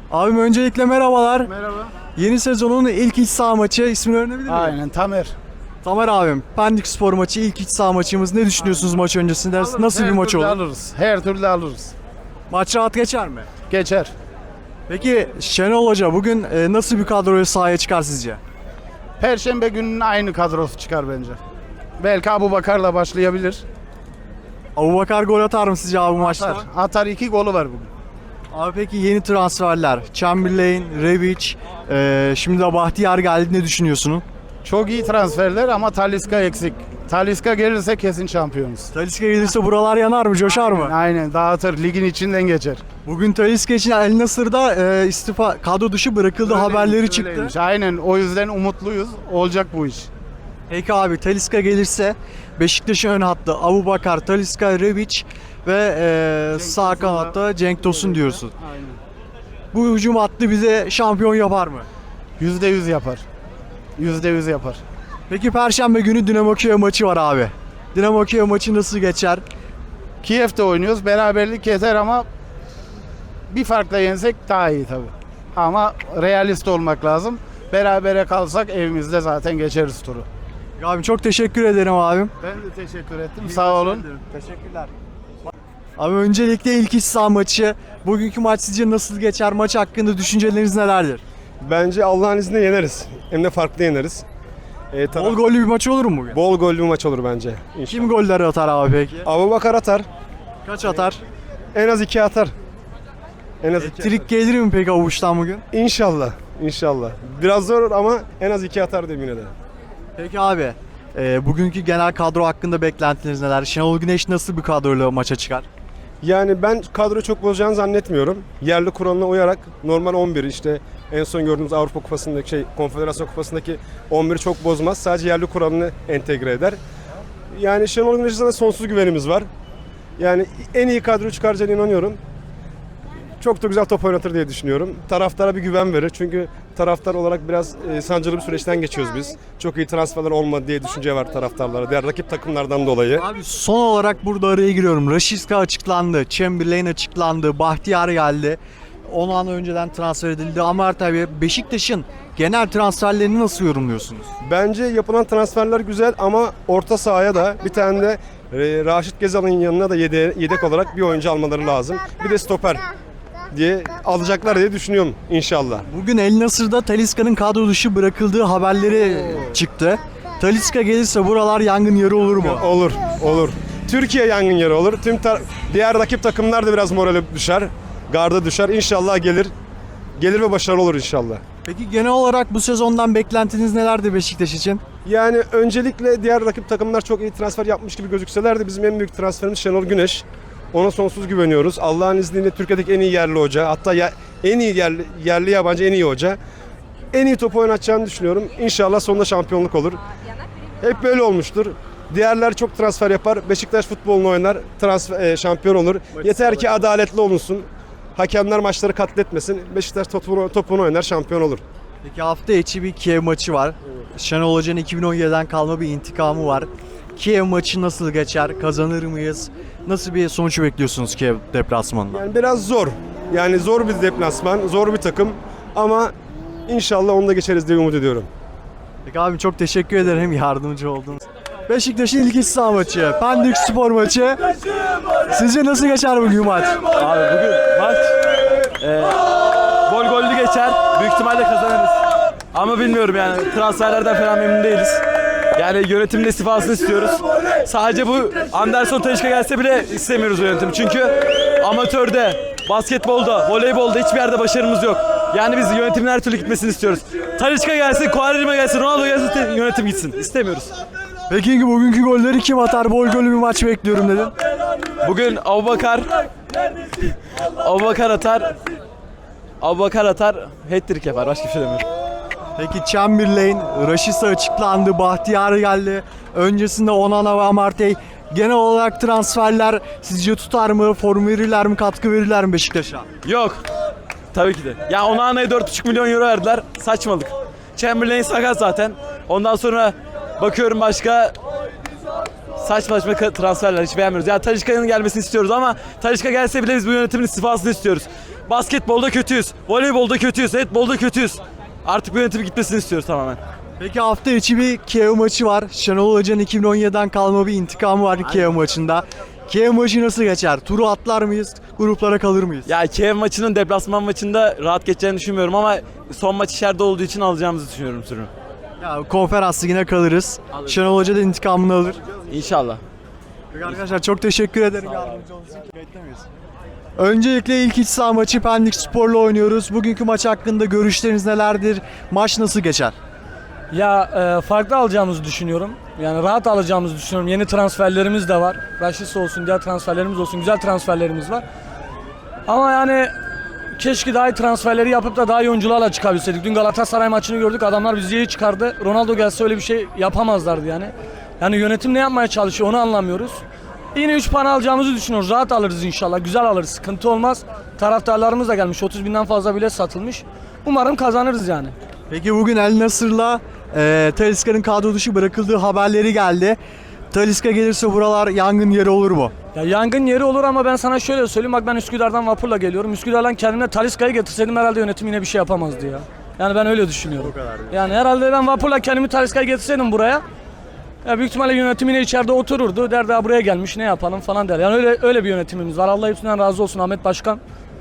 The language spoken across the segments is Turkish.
Abim öncelikle merhabalar. Merhaba. Yeni sezonun ilk iç saha maçı, ismini öğrenebilir miyim? Aynen Tamer. Tamer abim, Pendik Spor maçı, ilk iç saha maçımız. Ne düşünüyorsunuz maç öncesinde? Nasıl bir maç olur? Alırız. Her türlü alırız. Maç rahat geçer mi? Geçer. Peki Şenol Hoca bugün nasıl bir kadroyu sahaya çıkar sizce? Perşembe gününün aynı kadrosu çıkar bence. Belki Abubakar'la başlayabilir. Abubakar gol atar mı sizce abi bu maçta? Atar 2 golü var bugün. Abi peki yeni transferler, Chamberlain, Rebic, şimdi de Bahtiyar geldi, ne düşünüyorsunuz? Çok iyi transferler ama Talisca eksik. Talisca gelirse kesin şampiyonuz. Talisca gelirse buralar yanar mı, coşar mı? Aynen dağıtır. Ligin içinden geçer. Bugün Talisca için El Nasır'da istifa, kadro dışı bırakıldı haberleri çıktı. Öyleymiş. Aynen o yüzden umutluyuz. Olacak bu iş. Peki abi Talisca gelirse Beşiktaş'ın ön hattı Abubakar, Talisca, Rebic ve sağ kanatta Cenk Tosun diyorsun. Aynen. Bu hücum hattı bize şampiyon yapar mı? %100 yapar. %100 yapar. Peki Perşembe günü Dinamo Kiev maçı var abi. Dinamo Kiev maçı nasıl geçer? Kiev'de oynuyoruz. Beraberlik yeter ama bir farkla yensek daha iyi tabii. Ama realist olmak lazım. Berabere kalsak evimizde zaten geçeriz turu. Abi çok teşekkür ederim abim. Ben de teşekkür ettim. Sağ olun. Teşekkürler. Abi öncelikle ilk iç saha maçı. Bugünkü maç sizce nasıl geçer? Maç hakkında düşünceleriniz nelerdir? Bence Allah'ın izniyle yeneriz. Hem de farklı yeneriz. Bol gollü bir maç olur mu bugün? Bol gollü bir maç olur bence. Kim golleri atar abi peki? Abubakar atar. Kaç atar? En az 2 atar. En az 2 Trik gelir mi peki avuçtan bugün? İnşallah. İnşallah. Biraz zor ama en az 2 atar diyeyim yine de. Peki abi, bugünkü genel kadro hakkında beklentiniz neler? Şenol Güneş nasıl bir kadroyla maça çıkar? Yani ben kadroyu çok bozacağını zannetmiyorum. Yerli kuralına uyarak normal 11 işte en son gördüğümüz Avrupa Kupası'ndaki Konfederasyon Kupası'ndaki 11'i çok bozmaz. Sadece yerli kuralını entegre eder. Yani Şenol Güneş'e de sonsuz güvenimiz var. Yani en iyi kadroyu çıkaracağına inanıyorum. Çok da güzel top oynatır diye düşünüyorum. Taraftara bir güven verir. Çünkü taraftar olarak biraz sancılı bir süreçten geçiyoruz biz. Çok iyi transferler olmadı diye düşünce var taraftarlara. Diğer rakip takımlardan dolayı. Abi son olarak burada araya giriyorum. Rashica açıklandı, Chamberlain açıklandı, Bahtiyar geldi. 10 an önceden transfer edildi ama tabii Beşiktaş'ın genel transferlerini nasıl yorumluyorsunuz? Bence yapılan transferler güzel ama orta sahaya da bir tane de Raşit Gezal'ın yanına da yedek olarak bir oyuncu almaları lazım. Bir de stoper diye alacaklar diye düşünüyorum inşallah. Bugün El Nasır'da Talisca'nın kadro dışı bırakıldığı haberleri çıktı. Talisca gelirse buralar yangın yeri olur mu? Olur, olur. Türkiye yangın yeri olur. Diğer rakip takımlar da biraz morale düşer. Garda düşer. İnşallah gelir. Gelir ve başarılı olur inşallah. Peki genel olarak bu sezondan beklentiniz nelerdi Beşiktaş için? Yani öncelikle diğer rakip takımlar çok iyi transfer yapmış gibi gözükseler de bizim en büyük transferimiz Şenol Güneş. Ona sonsuz güveniyoruz. Allah'ın izniyle Türkiye'deki en iyi yerli hoca. Hatta en iyi yerli yabancı en iyi hoca. En iyi topu oynatacağını düşünüyorum. İnşallah sonunda şampiyonluk olur. Hep böyle olmuştur. Diğerler çok transfer yapar. Beşiktaş futbolunu oynar. Şampiyon olur. Yeter ki adaletli olunsun. Hakemler maçları katletmesin. Beşiktaş topunu oynar, şampiyon olur. Peki hafta içi bir Kiev maçı var. Şenol Hoca'nın 2017'den kalma bir intikamı var. Kiev maçı nasıl geçer? Kazanır mıyız? Nasıl bir sonuç bekliyorsunuz Kiev deplasmanında? Yani biraz zor. Yani zor bir deplasman, zor bir takım. Ama inşallah onu da geçeriz diye umut ediyorum. Peki abi çok teşekkür ederim yardımcı oldunuz. Beşiktaş'ın ilk iç saha maçı, Pendik Spor maçı. Sizce nasıl geçer bugün maç? Abi bugün maç bol gollü geçer. Büyük ihtimalle kazanırız. Ama bilmiyorum yani transferlerden falan memnun değiliz. Yani yönetimin istifasını istiyoruz. Sadece bu Anderson Talisca gelse bile istemiyoruz yönetim. Çünkü amatörde, basketbolda, voleybolda hiçbir yerde başarımız yok. Yani biz yönetimin her türlü gitmesini istiyoruz. Talisca gelsin, Quaresma gelsin, Ronaldo gelsin, yönetim gitsin. İstemiyoruz. Peki bugünkü golleri kim atar? Bol gollü bir maç bekliyorum dedin. Bugün Abubakar atar. Abubakar atar, hat-trick yapar. Başka bir şey demiyorum. Peki Chamberlain, Rashica açıklandı, Bahtiyar geldi. Öncesinde Onana ve Amartey. Genel olarak transferler sizce tutar mı? Form verirler mi? Katkı verirler mi Beşiktaş'a? Yok. Tabii ki de. Ya Onana'ya 4,5 milyon euro verdiler. Saçmalık. Chamberlain sakat zaten. Ondan sonra bakıyorum başka saçma transferler hiç beğenmiyoruz. Ya Talisca'nın gelmesini istiyoruz ama Talisca gelse bile biz bu yönetimin istifasını istiyoruz. Basketbolda kötüyüz. Voleybolda kötüyüz. Handbolda kötüyüz. Artık bu yönetim gitmesini istiyoruz tamamen. Peki hafta içi bir Kiev maçı var. Şenol Hoca'nın 2017'den kalma bir intikamı var Kiev maçında. Kiev maçı nasıl geçer? Turu atlar mıyız? Gruplara kalır mıyız? Ya Kiev maçının deplasman maçında rahat geçeceğini düşünmüyorum ama son maç içeride olduğu için alacağımızı düşünüyorum turu. Ya konferans ligine kalırız. Şenol Hoca da intikamını alır. İnşallah. Peki arkadaşlar çok teşekkür ederim yardımcı olduğunuz için. Beklemeyiz. Öncelikle ilk iç saha maçı Pendik Spor'la oynuyoruz. Bugünkü maç hakkında görüşleriniz nelerdir? Maç nasıl geçer? Ya farklı alacağımızı düşünüyorum. Yani rahat alacağımızı düşünüyorum. Yeni transferlerimiz de var. Raşis olsun, diğer transferlerimiz olsun. Güzel transferlerimiz var. Ama yani keşke daha iyi transferleri yapıp da daha iyi oyuncularla çıkabilseydik. Dün Galatasaray maçını gördük. Adamlar bizi iyi çıkardı. Ronaldo gelse öyle bir şey yapamazlardı yani. Yani yönetim ne yapmaya çalışıyor onu anlamıyoruz. Yine 3 puan alacağımızı düşünüyoruz. Rahat alırız inşallah. Güzel alırız. Sıkıntı olmaz. Taraftarlarımız da gelmiş. 30 binden fazla bilet satılmış. Umarım kazanırız yani. Peki bugün El Nasır'la Talisca'nın kadro dışı bırakıldığı haberleri geldi. Talisca gelirse buralar yangın yeri olur mu? Ya yangın yeri olur ama ben sana şöyle söyleyeyim. Bak ben Üsküdar'dan vapurla geliyorum. Üsküdar'dan kendime Talisca'yı getirseydim herhalde yönetim yine bir şey yapamazdı ya. Yani ben öyle düşünüyorum. Yani herhalde ben vapurla kendimi Talisca'yı getirseydim buraya. Ya büyük ihtimalle yönetim yine içeride otururdu. Der daha buraya gelmiş ne yapalım falan der. Yani öyle bir yönetimimiz var. Allah hepsinden razı olsun Ahmet Başkan.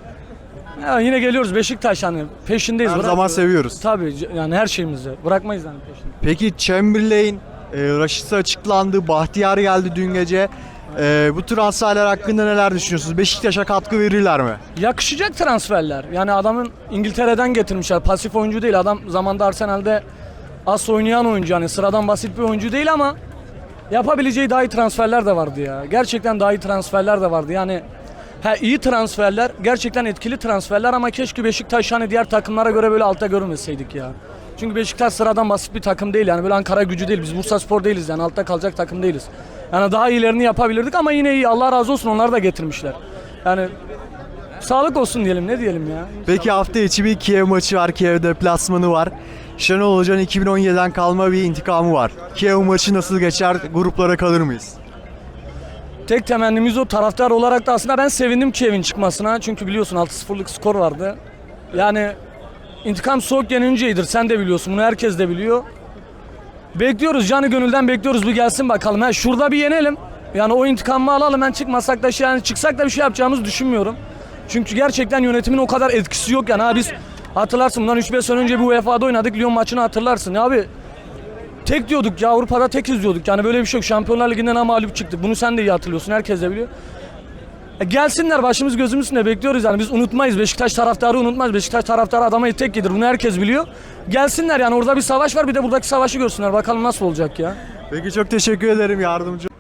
Ya yine geliyoruz Beşiktaş yani peşindeyiz. Her zaman seviyoruz. Tabii yani her şeyimizi bırakmayız yani peşinde. Peki Chamberlain, Raşit'e açıklandı, Bahtiyar geldi dün gece. Bu transferler hakkında neler düşünüyorsunuz? Beşiktaş'a katkı verirler mi? Yakışacak transferler. Yani adamın İngiltere'den getirmişler. Pasif oyuncu değil. Adam zamanda Arsenal'de as oynayan oyuncu. Yani sıradan basit bir oyuncu değil ama yapabileceği daha iyi transferler de vardı ya. Gerçekten daha iyi transferler de vardı. Yani iyi transferler, gerçekten etkili transferler ama keşke Beşiktaş hani diğer takımlara göre böyle altta görünmeseydik ya. Çünkü Beşiktaş sıradan basit bir takım değil yani böyle Ankara Gücü değil. Biz Bursaspor değiliz yani altta kalacak takım değiliz. Yani daha iyilerini yapabilirdik ama yine iyi. Allah razı olsun onları da getirmişler. Yani sağlık olsun diyelim ne diyelim ya. Peki hafta içi bir Kiev maçı var, Kiev deplasmanı var. Şenol Hoca'nın 2017'den kalma bir intikamı var. Kiev maçı nasıl geçer? Gruplara kalır mıyız? Tek temennimiz o, taraftar olarak da aslında ben sevindim Kiev'in çıkmasına. Çünkü biliyorsun 6-0'lık skor vardı. Yani intikam soğuk yenince iyidir. Sen de biliyorsun bunu, herkes de biliyor. Bekliyoruz, canı gönülden bekliyoruz, bir gelsin bakalım. Şurada bir yenelim. Yani o intikamı alalım. Ben çıkmasak da yani çıksak da bir şey yapacağımızı düşünmüyorum. Çünkü gerçekten yönetimin o kadar etkisi yok yani. Biz hatırlarsın bundan 3-5 sene önce bir UEFA'da oynadık. Lyon maçını hatırlarsın. Ya abi tek diyorduk ya, Avrupa'da tekiz diyorduk. Yani böyle bir şey yok. Şampiyonlar Ligi'nden ama mağlup çıktık. Bunu sen de iyi hatırlıyorsun. Herkes de biliyor. Gelsinler, başımız gözümüz üstünde bekliyoruz yani. Biz unutmayız. Beşiktaş taraftarı unutmaz. Beşiktaş taraftarı adama tek yedir. Bunu herkes biliyor. Gelsinler yani, orada bir savaş var. Bir de buradaki savaşı görsünler. Bakalım nasıl olacak ya. Peki çok teşekkür ederim yardımcı.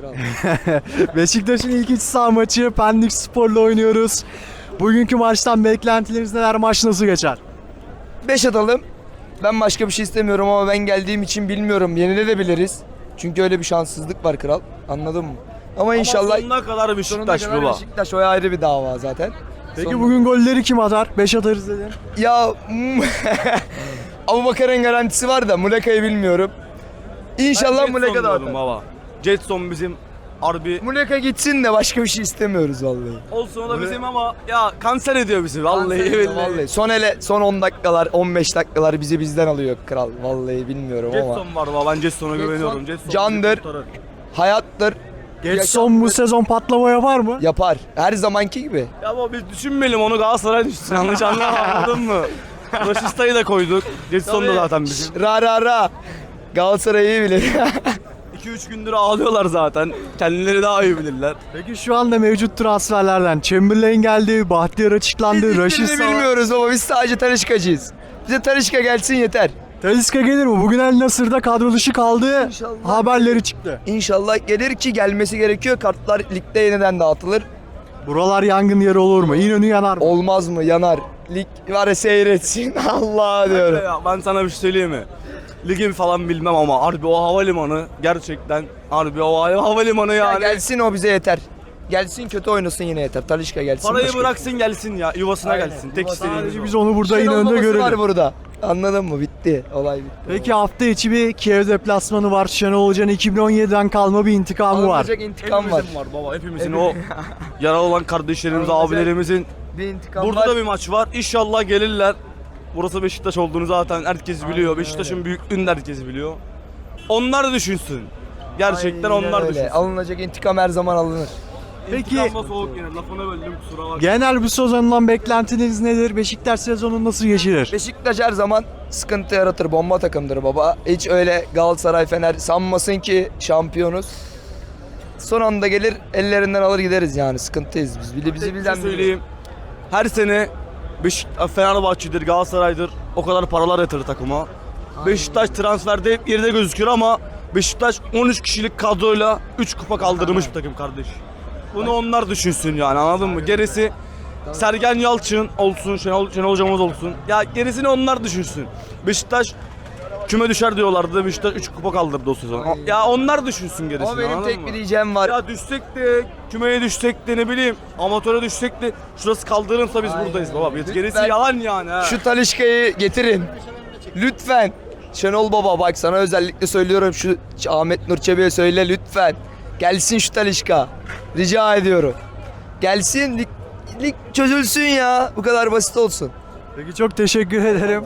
Beşiktaş'ın ilk iç saha maçı Pendik Spor'la oynuyoruz. Bugünkü maçtan beklentileriniz neler? Maç nasıl geçer? 5 atalım. Ben başka bir şey istemiyorum ama ben geldiğim için bilmiyorum. Yenilebiliriz. Çünkü öyle bir şanssızlık var kral. Anladın mı? Ama inşallah sonuna kadar Beşiktaş baba. Beşiktaş o ayrı bir dava zaten. Peki bugün golleri kim atar? 5 atarız dedin. Ya Abubakar'ın garantisi var da Muleka'yı bilmiyorum. İnşallah Muleka da atar. Baba. Jetson bizim harbi Muleka gitsin de başka bir şey istemiyoruz vallahi. olsun, o da bizim ama ya kanser ediyor bizi vallahi billahi. Son 10 dakikalar, 15 dakikalar bizi bizden alıyor kral. Vallahi bilmiyorum ama. Jetson var baba, ben Jetson'a güveniyorum. Jetson candır. Hayattır. Getson bu sezon patlama yapar mı? Yapar. Her zamanki gibi. Ya ama biz düşünmeyelim, onu Galatasaray düşünsün, yanlış anlama, anladın mı? Raşista'yı da koyduk. Jetson da zaten bizim. Ra. Galatasaray'ı iyi bilir. 2-3 gündür ağlıyorlar zaten. Kendileri daha iyi bilirler. Peki şu anda mevcut transferlerden Chamberlain geldi, Bahtiyar açıklandı, Raşit Hiçbirini bilmiyoruz ama biz sadece Talisca'cıyız. Bize Talisca gelsin yeter. Talisca gelir mi? Bugün El Nasır'da kadro dışı kaldı. İnşallah. Haberleri çıktı. İnşallah gelir ki gelmesi gerekiyor. Kartlar ligde yeniden dağıtılır. Buralar yangın yeri olur mu? İnönü yanar mı? Olmaz mı? Yanar. Lig var ya seyretsin. Allah diyorum. Ya ben sana bir şey söyleyeyim mi? Ligi falan bilmem ama harbi o havalimanı gerçekten, harbi o havalimanı Ya yani. gelsin o bize yeter. Gelsin kötü oynasın yine yeter. Talisca gelsin. Parayı başka- bıraksın gelsin ya, yuvasına Aynen, gelsin. Tek yuvasına istediğimiz Sadece o. biz onu burada Şenol İnönü'de babası var görelim. burada. Anladın mı? Bitti. Olay bitti. Peki hafta içi bir Kiev deplasmanı var. Şenol Hoca'nın 2017'den kalma bir intikamı var. Alınacak intikam var. Hepimizin var baba, hepimizin o yaralı olan kardeşlerimiz, abilerimizin Bir intikam Burada var. da bir maç var. İnşallah gelirler. Burası Beşiktaş olduğunu zaten herkes biliyor. Beşiktaş'ın büyüklüğünü de herkes biliyor. Onlar düşünsün. Gerçekten Aynen onlar öyle. düşünsün. Alınacak intikam her zaman alınır. Peki İntikam da soğuk yine. Lafını böldüm, kusura bakma. genel bu sezondan beklentiniz nedir? Beşiktaş sezonu nasıl geçirir? Beşiktaş her zaman sıkıntı yaratır. Bomba takımdır baba. Hiç öyle Galatasaray, Fener sanmasın ki şampiyonuz. Son anda gelir ellerinden alır gideriz yani. Sıkıntıyız biz. Bizi Bir şey bizden söyleyeyim. Her sene Fenerbahçe'dir, Galatasaray'dır o kadar paralar yatırır takıma. Beşiktaş transferde hep geride gözüküyor ama Beşiktaş 13 kişilik kadroyla 3 kupa kaldırmış bir takım kardeş. Bunu onlar düşünsün yani, anladın mı? Gerisi Sergen Yalçın olsun, Şenol hocamız olsun. Ya gerisini onlar düşünsün. Beşiktaş küme düşer diyorlardı. Beşiktaş 3 kupa kaldırdı o sezon. Aynen. Ya onlar düşünsün gerisini, Ama benim anladın tek mı? bir diyeceğim var. Ya düşsek de, kümeye düşsek de, ne bileyim amatöre düşsek de şurası kaldırırsa biz Aynen buradayız öyle. baba. Gerisi Lütfen yalan yani ha. Şu Talisca'yı getirin. Lütfen. Şenol Baba bak sana özellikle söylüyorum, şu Ahmet Nur Çebi'ye söyle lütfen. Gelsin şu Talisca. Rica ediyorum. Gelsin, lig çözülsün ya. Bu kadar basit olsun. Peki çok teşekkür ederim.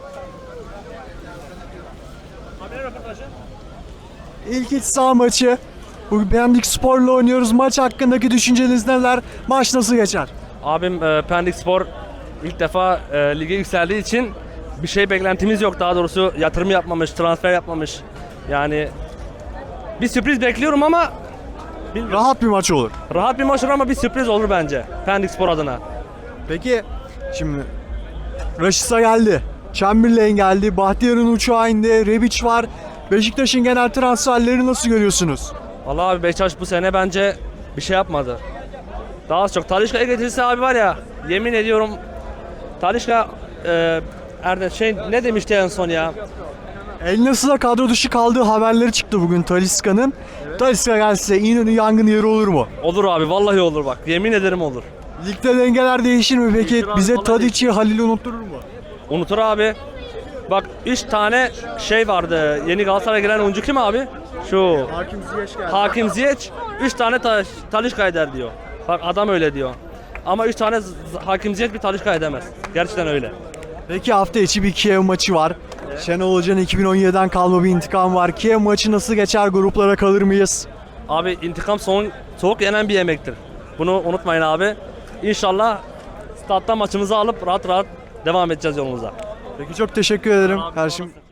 İlk iç saha maçı. Bugün Pendik Spor'la oynuyoruz. Maç hakkındaki düşünceniz neler? Maç nasıl geçer? Abim Pendik Spor ilk defa lige yükseldiği için bir şey beklentimiz yok. Daha doğrusu yatırım yapmamış, transfer yapmamış. Yani bir sürpriz bekliyorum ama bilmiyorum. Rahat bir maç olur. Rahat bir maç olur ama bir sürpriz olur bence Pendik Spor adına. Peki şimdi Rashica geldi. Chamberlain geldi. Bahtiyar'ın uçağı indi. Rebic var. Beşiktaş'ın genel transferleri nasıl görüyorsunuz? Vallahi abi Beşiktaş bu sene bence bir şey yapmadı. Daha az çok Talisca'ya getirirse abi var ya, yemin ediyorum Talisca ne demişti en son ya? El Nasır'a kadro dışı kaldığı haberleri çıktı bugün Talisca'nın. Talisca gelse İnönü yangın yeri olur mu? Olur abi, vallahi olur bak, yemin ederim olur. Ligde dengeler değişir mi peki? Değişir abi, Bize vallahi Tadic'i, Halil'i unutturur mu? Unutur abi. Bak 3 tane şey vardı. Yeni Galatasaray'a giren oyuncu kim abi? Şu Hakim Ziyech geldi. Hakim Ziyech 3 tane Talisca eder diyor. Bak adam öyle diyor. Ama 3 tane Hakim Ziyech bir Talisca edemez. Gerçekten öyle. Peki hafta içi bir Kiev maçı var. Şenol Hoca'nın 2017'den kalma bir intikam var. Kiev maçı nasıl geçer? Gruplara kalır mıyız? Abi intikam soğuk yenen bir yemektir. Bunu unutmayın abi. İnşallah statta maçımızı alıp rahat rahat devam edeceğiz yolumuza. Peki çok teşekkür ederim. Karşım